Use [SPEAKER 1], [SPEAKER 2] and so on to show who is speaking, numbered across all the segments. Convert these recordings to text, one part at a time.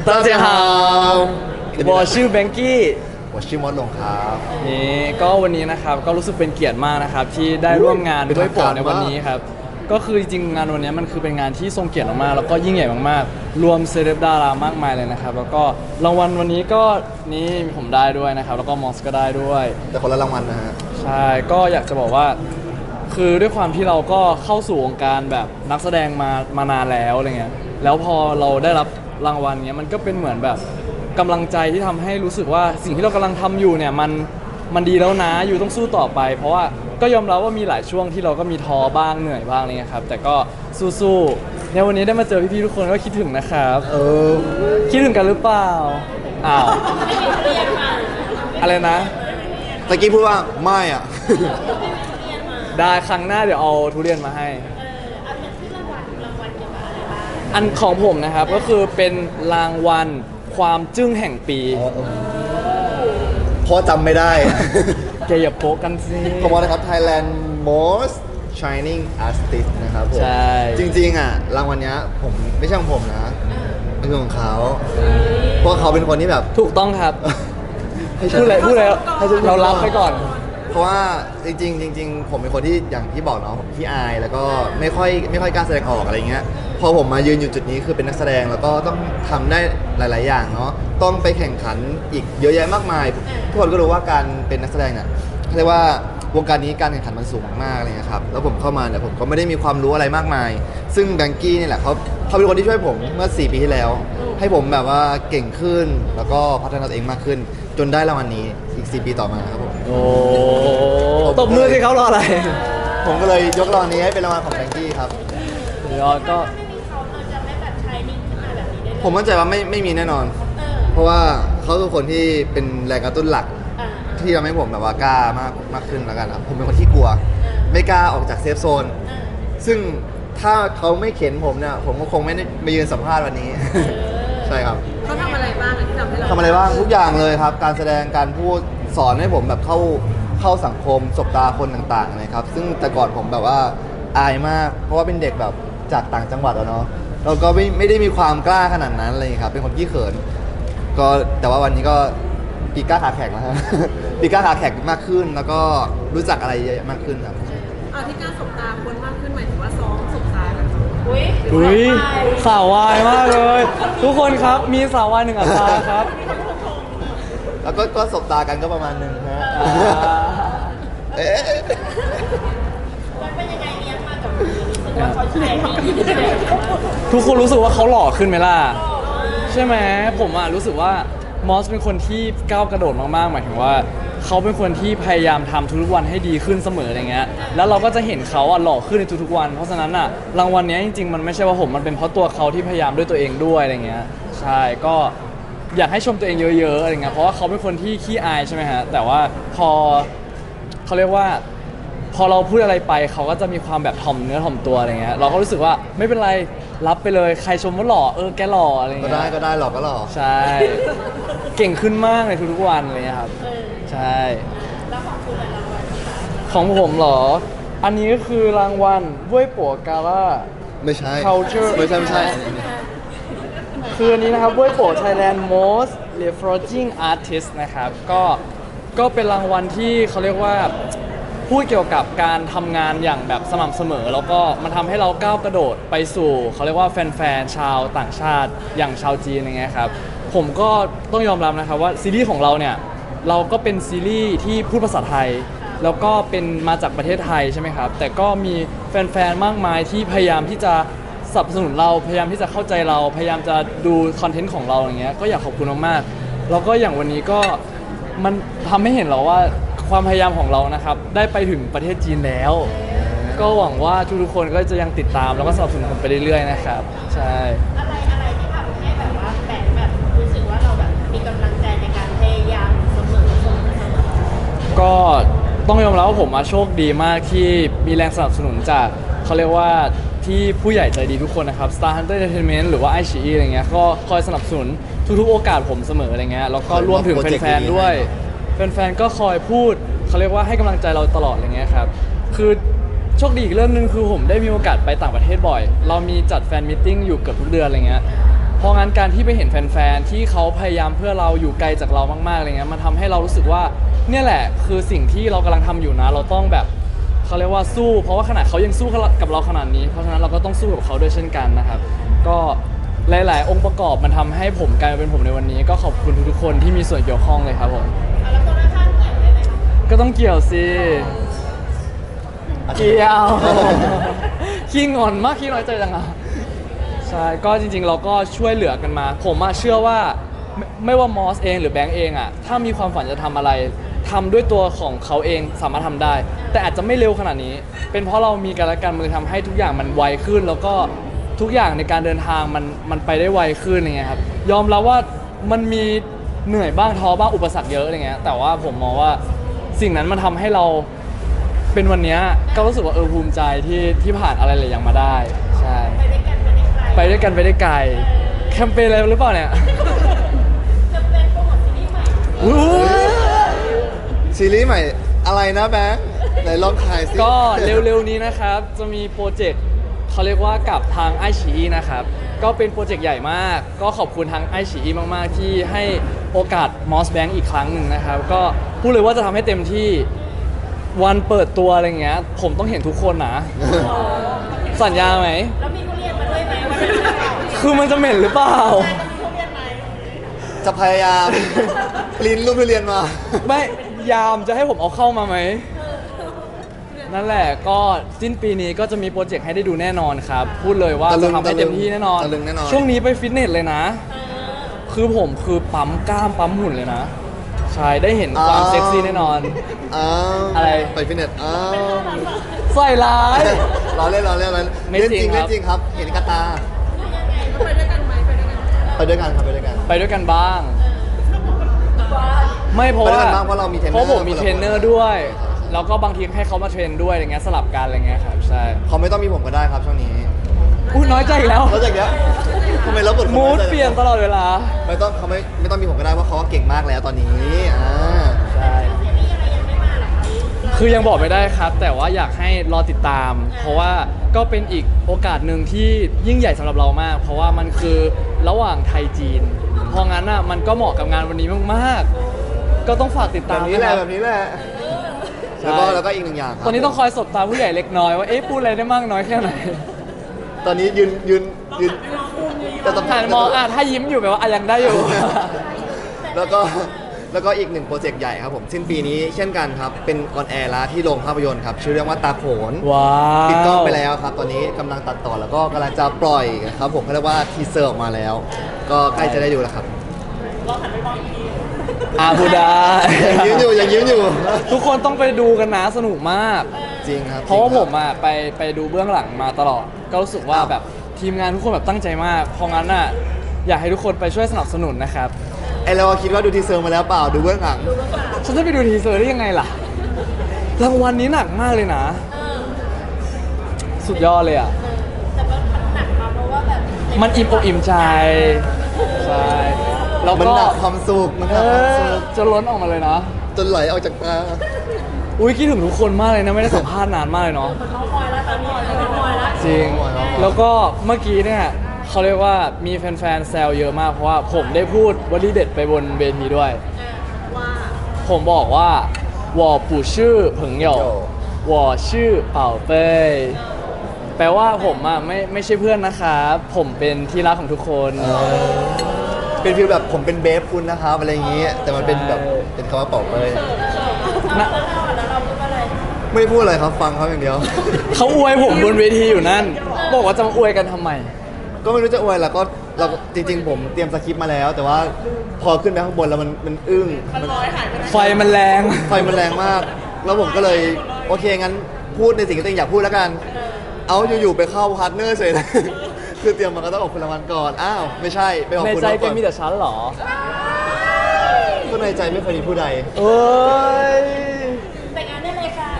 [SPEAKER 1] 大家好我是 Banky
[SPEAKER 2] 我ชื่อมดลงครับ
[SPEAKER 1] นี่ก็วันนี้นะครับก็รู้สึกเป็นเกียรติมากนะครับที่ได้ร่วมงานด้วยโปรในวันนี้ครับก็คือจริงๆงานวันนี้มันคือเป็นงานที่ทรงเกียรติมากๆแล้วก็ยิ่งใหญ่มากๆรวมเซเลบดารามากมายเลยนะครับแล้วก็รางวัลวันนี้ก็นี่ผมได้ด้วยนะครับแล้วก็มอสก็ได้ด้วย
[SPEAKER 2] แต่คนละรางวัลนะฮะ
[SPEAKER 1] ใช่ก็อยากจะบอกว่าคือด้วยความที่เราก็เข้าสู่วงการแบบนักแสดงมานานแล้วอะไรเงี้ยแล้วพอเราได้รับรางวัลเนี้ยมันก็เป็นเหมือนแบบกำลังใจที่ทำให้รู้สึกว่าสิ่งที่เรากำลังทำอยู่เนี่ยมันดีแล้วนะอยู่ต้องสู้ต่อไป เพราะว่าก็ยอมรับว่ามีหลายช่วงที่เราก็มีท้อบ้างเหนื่อยบ้างอะไรเงี้ยครับแต่ก็สู้ๆในวันนี้ได้มาเจอพี่ๆทุกคนก็คิดถึงนะครับคิดถึงกันหรือเปล่าอ้าวอะไรนะ
[SPEAKER 2] ตะกี้พูดว่าไม่อ่ะ
[SPEAKER 1] ได้ครั้งหน้าเดี๋ยวเอาทุเรียนมาให้อันของผมนะครับก็คือเป็นรางวัลความจึ้งแห่งปี
[SPEAKER 2] เพราะจำไม่ได้
[SPEAKER 1] แกอย่าโป๊กกันสิ
[SPEAKER 2] ขอบคุณนะครับ Thailand Most Shining Artist นะครับผม
[SPEAKER 1] ใช่
[SPEAKER 2] จริงๆอ่ะรางวัลเนี้ยผมไม่ใช่ของผมนะเป็นของเขาเพราะเขาเป็นคนที่แบบ
[SPEAKER 1] ถูกต้องครับ
[SPEAKER 2] ให้ฉัน
[SPEAKER 1] พูดอะไร
[SPEAKER 2] ให้ฉัน
[SPEAKER 1] เรารับไปก่อน
[SPEAKER 2] เพราะว่าจริงๆผมเป็นคนที่อย่างที่บอกเนาะผมขี้อายแล้วก็ไม่ค่อยกล้าแสดงออกอะไรเงี้ยพอผมมายืนอยู่จุดนี้คือเป็นนักแสดงแล้วก็ต้องทำได้หลายๆอย่างเนาะต้องไปแข่งขันอีกเยอะแยะมากมายทุกคนก็รู้ว่าการเป็นนักแสดงเนี่ยเรียกว่าวงการนี้การแข่งขันมันสูงมากๆอะไรเลยครับแล้วผมเข้ามาเนี่ยผมก็ไม่ได้มีความรู้อะไรมากมาย ซึ่งแบงกี้นี่แหละเขาเป็นคนที่ช่วยผมเมื่อ4 ปีที่แล้ว ให้ผมแบบว่าเก่งขึ้นแล้วก็พัฒนาตัวเองมากขึ้น จนได้รางวัลนี้อีก4 ปีต่อมาครับผม
[SPEAKER 1] โอ้ตบมือสิเขารออะไร
[SPEAKER 2] ผมก็เลยยกรางวัลนี้ให้เป็นรางวัลของแบงกี้ครับ
[SPEAKER 1] เดี๋ยวก็
[SPEAKER 2] ผมมั่นใจว่าไม่มีแน่นอน เพราะว่าเขาคือคนที่เป็นแรงกระตุ้นหลักที่ทำให้ผมแบบว่ากล้ามากขึ้นแล้วกันครับผมเป็นคนที่กลัว ไม่กล้าออกจากเซฟโซน ซึ่งถ้าเขาไม่เข็นผมเนี่ยผมก็คงไม่ได้มายืนสัมภาษณ์วันนี้ ใช่ครับ
[SPEAKER 3] เขาทำอะไรบ้างที่ทำให้เรา
[SPEAKER 2] ทำอะไรบ้างทุกอย่างเลยครับ การแสดงการพูดสอนให้ผมแบบเข้าสังคมสบตาคนต่างๆนะครับซึ่งแต่ก่อนผมแบบว่าอายมาก เพราะว่าเป็นเด็กแบบจากต่างจังหวัดอะเนาะเราก็ไม่ได้มีความกล้าขนาดนั้นเลยครับเป็นคนขี้เขินก็แต่ว่าวันนี้ก็ปีกล้าขาแข็งแล้วฮะ ปีกล้าขาแข็งมากขึ้น แล้วก็รู้จักอะไรเยอะมากขึ้นครับ
[SPEAKER 3] ที่การสบตาคนมากขึ้นหมายถึงว่าซ้อมสบตากัน
[SPEAKER 1] อุ้ยสาววายมากเลย ทุกคนครับมีสาววาย1 อัตราครับ
[SPEAKER 2] แล้วก็สบตากันก็ประมาณนึงฮะ เอ๊ะ
[SPEAKER 4] มันเป็นยังไงเลี้ยงมากับมือรู้สึกว่าเขาใช้ดี
[SPEAKER 1] ทุกคนรู้สึกว่าเขาหล่อขึ้นไหมล่ะใช่ไหมผมอ่ะรู้สึกว่ามอสเป็นคนที่ก้าวกระโดดมากๆหมายถึงว่าเขาเป็นคนที่พยายามทำทุกๆวันให้ดีขึ้นเสมออะไรเงี้ยแล้วเราก็จะเห็นเขาอ่ะหล่อขึ้นในทุกๆวันเพราะฉะนั้นอ่ะรางวัลนี้จริงๆมันไม่ใช่ว่าผมมันเป็นเพราะตัวเขาที่พยายามด้วยตัวเองด้วยอะไรเงี้ยใช่ก็อยากให้ชมตัวเองเยอะๆอะไรเงี้ยเพราะว่าเขาเป็นคนที่ขี้อายใช่ไหมฮะแต่ว่าพอเขาเรียกว่าพอเราพูดอะไรไปเขาก็จะมีความแบบถ่อมเนื้อถ่อมตัวอะไรเงี้ยเราก็รู้สึกว่าไม่เป็นไรรับไปเลยใครชมว่าหล่อแกหล่ออะไร
[SPEAKER 2] ก็
[SPEAKER 1] เงี้ย
[SPEAKER 2] ได้หรอกก็หรอก
[SPEAKER 1] ใช่ เก่งขึ้นมากในทุกๆวันเลยครับใช่
[SPEAKER 4] แล้วของคุณรางวัลที่ไหน
[SPEAKER 1] ของผมเหรอ อันนี้ก็คือรางวัลบ้วยปัวกาล่า
[SPEAKER 2] ไม่ใช่
[SPEAKER 1] Culture
[SPEAKER 2] ไม่ใช่
[SPEAKER 1] คืออันนี้นะครับบ้วยปัว Thailand Most Leveraging Artist นะครับก็เป็นรางวัลที่เขาเรียกว่าพูดเกี่ยวกับการทำงานอย่างแบบสม่ำเสมอ แล้วก็มันทำให้เราก้าวกระโดดไปสู่เขาเรียกว่าแฟนๆชาวต่างชาติอย่างชาวจีนอย่างเงี้ยครับผมก็ต้องยอมรับนะครับว่าซีรีส์ของเราเนี่ยเราก็เป็นซีรีส์ที่พูดภาษาไทย แล้วก็เป็นมาจากประเทศไทยใช่ไหมครับแต่ก็มีแฟนๆมากมายที่พยายามที่จะสนับสนุนเราพยายามที่จะเข้าใจเราพยายามจะดูคอนเทนต์ของเราอย่างเงี้ยก็อยากขอบคุณมากๆแล้วก็อย่างวันนี้ก็มันทำให้เห็นเราว่าความพยายามของเรานะครับได้ไปถึงประเทศจีนแล้ว ก็หวังว่าทุกๆคนก็จะยังติดตามแล้วก็สนับสนุนผมไปเรื่อยๆนะครับใช่
[SPEAKER 4] อะไรที่ทำให้แบบว่าแบบรู้สึกว่าเราแบบมีกำลังใจในการพยายามเสมอ
[SPEAKER 1] ก็ต้องยอมรับว่าผมโชคดีมากที่มีแรงสนับสนุนจากเขาเรียกว่าที่ผู้ใหญ่ใจดีทุกคนนะครับ Star Hunter Entertainment หรือว่า iQIYI อะไรเงี้ยก็คอยสนับสนุนทุกๆโอกาสผมเสมออะไรเงี้ยแล้วก็รวมถึงแฟนๆด้วยแฟนๆก็คอยพูดเขาเรียกว่าให้กำลังใจเราตลอดอะไรเงี้ยครับคือโชคดีอีกเรื่องนึงคือผมได้มีโอกาสไปต่างประเทศบ่อยเรามีจัดแฟนมิทติ้งอยู่เกือบทุกเดือนอะไรเงี้ยพราะงั้นการที่ไปเห็นแฟนๆที่เขาพยายามเพื่อเราอยู่ไกลจากเรามากๆอะไรเงี้ยมันทำให้เรารู้สึกว่าเนี่ยแหละคือสิ่งที่เรากำลังทำอยู่นะเราต้องแบบเขาเรียกว่าสู้เพราะว่าขนาดเขายังสู้กับเราขนาดนี้เพราะฉะนั้นเราก็ต้องสู้กับเขาด้วยเช่นกันนะครับก็หลายๆองค์ประกอบมันทำให้ผมกลายมาเป็นผมในวันนี้ก็ขอบคุณทุกๆคนที่มีส่วนเกี่ยวข้องเลยครับผม
[SPEAKER 4] แล้วคนข้างๆเกี่ยวได้ไหมคะ
[SPEAKER 1] ก็ต้องเกี่ยวสิเกี่ยว ขี้งอนมากขี้น้อยใจจังอ่ะใช่ก็จริงๆเราก็ช่วยเหลือกันมาผมเชื่อว่าไม่ว่ามอสเองหรือแบงก์เองอ่ะถ้ามีความฝันจะทำอะไรทำด้วยตัวของเขาเองสามารถทำได้ แต่อาจจะไม่เร็วขนาดนี้ เป็นเพราะเรามีกันและกันมือทำให้ทุกอย่างมันไวขึ้น แล้วก็ทุกอย่างในการเดินทางมันไปได้ไวขึ้นอย่างเงี้ยครับยอมรับว่ามันมีเหนื่อยบ้างท้อบ้างอุปสรรคเยอะอะไรเงี้ยแต่ว่าผมมองว่าสิ่งนั้นมันทำให้เราเป็นวันเนี้ยก็รู้สึกว่าภูมิใจที่ผ่านอะไรหลายอย่างมาได้ใช่
[SPEAKER 4] ไปด้วยกันไปได้ไกล
[SPEAKER 1] ไปด้วยกันไปได้ไกลแคมเปญอะไรหรือเปล่าเนี่ย
[SPEAKER 4] จะเป็นโปรโมทซีรีส์ใหม่
[SPEAKER 1] อุ๊ย
[SPEAKER 2] ซีรีส์ใหม่อะไรนะแบงค์ไหนลองขายสิ
[SPEAKER 1] ก็เร็วๆนี้นะครับจะมีโปรเจกต์เขาเรียกว่ากับทางไอชีนะครับก็เป็นโปรเจกต์ใหญ่มากก็ขอบคุณทางไอชีมากๆที่ให้โอกาส Moss Bank อีกครั้งหนึ่งนะครับก็พูดเลยว่าจะทำให้เต็มที่วันเปิดตัวอะไรเงี้ยผมต้องเห็นทุกคนนะสัญญาไหม
[SPEAKER 4] แล้วมีทุเรียนมาด้วยไหมวันนี้
[SPEAKER 1] คือมันจะเหม็นหรือเปล่า
[SPEAKER 4] จะมีทุเรียนไหม
[SPEAKER 2] จะพยายาม ปริ้นรูปทุเรียนมา
[SPEAKER 1] ไม่ยามจะให้ผมเอาเข้ามาไหม นั่นแหละก็สิ้นปีนี้ก็จะมีโปรเจกต์ให้ได้ดูแน่นอนครับ พูดเลยว่า
[SPEAKER 2] ตะลึ
[SPEAKER 1] จะ
[SPEAKER 2] ง
[SPEAKER 1] ทำให้เต็มที่แน่นอน
[SPEAKER 2] ตะลึงแน่นอน
[SPEAKER 1] ช่วงนี้ไปฟิตเนสเลยนะ คือผมคือปั๊มกล้ามปั๊มหุ่นเลยนะ ใช่ได้เห็นความเซ็กซี่แน่นอน
[SPEAKER 2] อ้าว
[SPEAKER 1] อะไร
[SPEAKER 2] ไปฟิตเนสอ้าว
[SPEAKER 1] ใส่ร้าย
[SPEAKER 2] ล้อเล่นล้อเล่นล้อเล่น
[SPEAKER 1] ไม่
[SPEAKER 2] เล่น
[SPEAKER 1] จริ
[SPEAKER 2] จริ
[SPEAKER 1] ง
[SPEAKER 2] ง
[SPEAKER 1] ครับ
[SPEAKER 2] เล่นจริงครับ เห็นกระตา
[SPEAKER 3] ไปด้วยกันไหมไปด้วยกัน
[SPEAKER 2] ไปด้วยกันครับไปด้วยกัน
[SPEAKER 1] ไปด้วยกันบ้าง ไม่เพราะ
[SPEAKER 2] ไปด้วย
[SPEAKER 1] ว่า
[SPEAKER 2] กันบ้างเพราะเรามีเทรนเนอร์
[SPEAKER 1] เพราะผมมี
[SPEAKER 2] คนละ
[SPEAKER 1] เทรนเนอร์ด้วย แล้วก็บางทีให้เขามาเทรนด้วยอะไรเงี้ยสลับกันอะไรเงี้ยครับใช่
[SPEAKER 2] เขาไม่ต้องมีผมก็ได้ครับช่วงนี้
[SPEAKER 1] อุ้ยน้อยใจอีกแล้ว
[SPEAKER 2] แล้วจากเนี้ยทำไมเราบท
[SPEAKER 1] มูดเปลี่ยนตลอดเวลา
[SPEAKER 2] ไม่ต้องเขาไม่ต้องมีผมก็ได้เพราะเขาก็เก่งมากแล้วตอนนี้
[SPEAKER 1] ใช่
[SPEAKER 4] ซีรีส์อะไรยังไม่มาหรอคะ
[SPEAKER 1] คือยังบอกไม่ได้ครับ แต่ว่าอยากให้รอติดตาม เพราะว่าก็เป็นอีกโอกาสหนึ่งที่ยิ่งใหญ่สำหรับเรามาก เพราะว่ามันคือระหว่างไทยจีน เพราะงั้นอ่ะมันก็เหมาะกับงานวันนี้มากๆ ก็ต้องฝากติด
[SPEAKER 2] แบ
[SPEAKER 1] ตาม
[SPEAKER 2] บนี้
[SPEAKER 1] นะ
[SPEAKER 2] แห
[SPEAKER 1] ค
[SPEAKER 2] ละ
[SPEAKER 1] รับ
[SPEAKER 2] แบบนี้แหละ
[SPEAKER 1] ใช่
[SPEAKER 2] แล้วก็อีกหนึ่งอย่างครับ
[SPEAKER 1] ตอนนี้ต้องคอยสบตาผู้ใหญ่เล็กน้อยว่าเอ๊ะพูดอะไรได้มากน้อยแค่ไหน
[SPEAKER 2] ตอนนี้ยืนแต่ต้อง
[SPEAKER 1] หันมองถ้ายิ้มอยู่แปลว่ายังได้อยู่
[SPEAKER 2] แล้วก็อีกหนึ่งโปรเจกต์ใหญ่ครับผมสิ้นปีนี้เช่นกันครับเป็นออนแอร์แล้วที่โรงภาพยนตร์ครับชื่อเรื่องว่าตาโขน
[SPEAKER 1] ว้าว
[SPEAKER 2] ปิดกล้องไปแล้วครับ ตอนนี้กำลังตัดต่อแล้วก็กำลังจะปล่อยครับผมเขาเรียกว่าทีเซอร์ออกมาแล้ว ก็ใกล้จะได้ดูแล้วครับ
[SPEAKER 1] พูดได้
[SPEAKER 2] ยังยิ้มอยู่
[SPEAKER 1] ทุกคนต้องไปดูกันนะสนุกมาก
[SPEAKER 2] จริงครับ
[SPEAKER 1] เพราะว่า
[SPEAKER 2] จง
[SPEAKER 1] ผ
[SPEAKER 2] คบ
[SPEAKER 1] มอ่ะไปดูเบื้องหลังมาตลอด ก็รู้สึกว่าแบบทีมงานทุกคนแบบตั้งใจมาก เพราะงั้นอ่ะอยากให้ทุกคนไปช่วยสนับสนุนนะครับ
[SPEAKER 2] ไอเราคิดว่าดูทีเซอร์มาแล้วเปล่าดูเบื้องหลัง
[SPEAKER 1] ฉันจะไปดูทีเซอร์ได้ยังไงล่ะ รางวัลนี้หนักมากเลยนะ สุดยอดเลยอ่ะ
[SPEAKER 4] แต่มันหนักมาเพราะว่าแบบ
[SPEAKER 1] มันอิ่มอกอิ่มใจ ใช่แล้ว
[SPEAKER 2] มัน
[SPEAKER 1] ก็
[SPEAKER 2] หนักความสุขมันหนักความสุข
[SPEAKER 1] จะล้นออกมาเลยนะ
[SPEAKER 2] จนไหลออกจากตา
[SPEAKER 1] อุ้ยคิดถึงทุกคนมากเลยนะ ไม่ได้สัมภาษณ์นานมากเลยเนาะ
[SPEAKER 4] น้องคอยแล้วตอนนี้น้องคอยแล้ว
[SPEAKER 1] จริง
[SPEAKER 2] โอ้ยโอ้ย
[SPEAKER 1] แล้วก็เมื่อกี้เนี่ยเขาเรียกว่ามีแฟนๆแซวเยอะมากเพราะว่าผมได้พูดวลีเด็ดไปบนเวทีด้วย
[SPEAKER 3] ว่า
[SPEAKER 1] ผมบอกว่า我不是朋友我是宝贝แปลว่าผมอ่ะไม่ใช่เพื่อนนะครับผมเป็นที่รักของทุกคน
[SPEAKER 2] เป็นฟีลแบบผมเป็นเบฟคุณนะครับอะไรอย่างงี้ แต่มันเป็นแบบเป็นคำว่าเป่าเปย
[SPEAKER 1] นะ
[SPEAKER 4] แล้วเราพูดว่าอะไร
[SPEAKER 2] ไม่ได้พูดอะไรครับฟังเขาอย่างเดียว
[SPEAKER 1] เขาอวยผมบนเวทีอยู่นั่น บอกว่าจะมาอวยกันทำไม
[SPEAKER 2] ก็ไม่รู้จะอวยแล้วก็เราจริงๆ ผมเตรียมสคริปต์มาแล้ว แต่ว่าพอขึ้นไปข้างบนแล้วมันอึ้งมัน
[SPEAKER 1] ไฟมันแรง
[SPEAKER 2] ไฟมันแรงมาก แล้วผมก็เลยโอเคงั้นพูดในสิ่งที่ตัวเองอยากพูดแล้วกัน เอาอยู่ๆไปเข้าพาร์ทเนอร์เฉยเลย คือเตรียมมาก็ต้องขอบคุณรางวัลก่อนอ้าวไม่ใช่ไปขอบ
[SPEAKER 1] ใน
[SPEAKER 2] คุณ
[SPEAKER 1] ใจ
[SPEAKER 2] เขา
[SPEAKER 1] แก
[SPEAKER 2] ก่อน
[SPEAKER 1] มีแต่ฉันเหรอ
[SPEAKER 2] ก็ในใจไม่เคยมีผู้ใด
[SPEAKER 1] เอ้ย
[SPEAKER 4] แต่งงานได้เลยค่ะ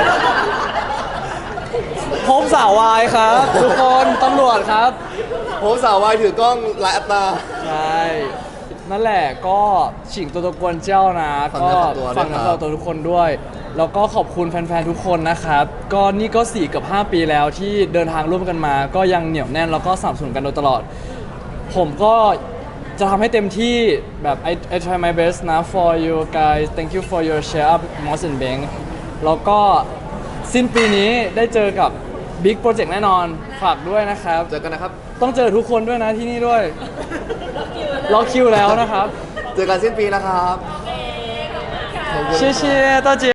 [SPEAKER 1] พบสาววายครับ ทุกคนตำรวจครับ
[SPEAKER 2] ผมสาววายถือกล้องหลายอัตรา
[SPEAKER 1] ใช่ นั่นแหละก็ฉิงตัวตะกวนเจ้านะ
[SPEAKER 2] ฝาก
[SPEAKER 1] ก็
[SPEAKER 2] เนื้อฝากตัวด้วย
[SPEAKER 1] ฝากเนื้อ
[SPEAKER 2] ครั
[SPEAKER 1] ฝา
[SPEAKER 2] บ
[SPEAKER 1] กตัวทุกคนด้วย แล้วก็ขอบคุณแฟนๆทุกคนนะครับ ก็นี่ก็4 กับ 5 ปีแล้วที่เดินทางร่วมกันมา ก็ยังเหนียวแน่นแล้วก็สนับสนุนกันโดยตลอดผมก็จะทำให้เต็มที่แบบ I try my best นะ for you guys thank you for your share up Moss and Bank แล้วก็สิ้นปีนี้ได้เจอกับ Big Project แน่นอนฝากด้วยนะครับ
[SPEAKER 2] เจอกันนะครับ
[SPEAKER 1] ต้องเจอทุกคนด้วยนะที่นี่ด้วยล็อกคิวแล้วนะครับ
[SPEAKER 2] เจอกันสิ้นปีนะครับ
[SPEAKER 1] 谢谢大家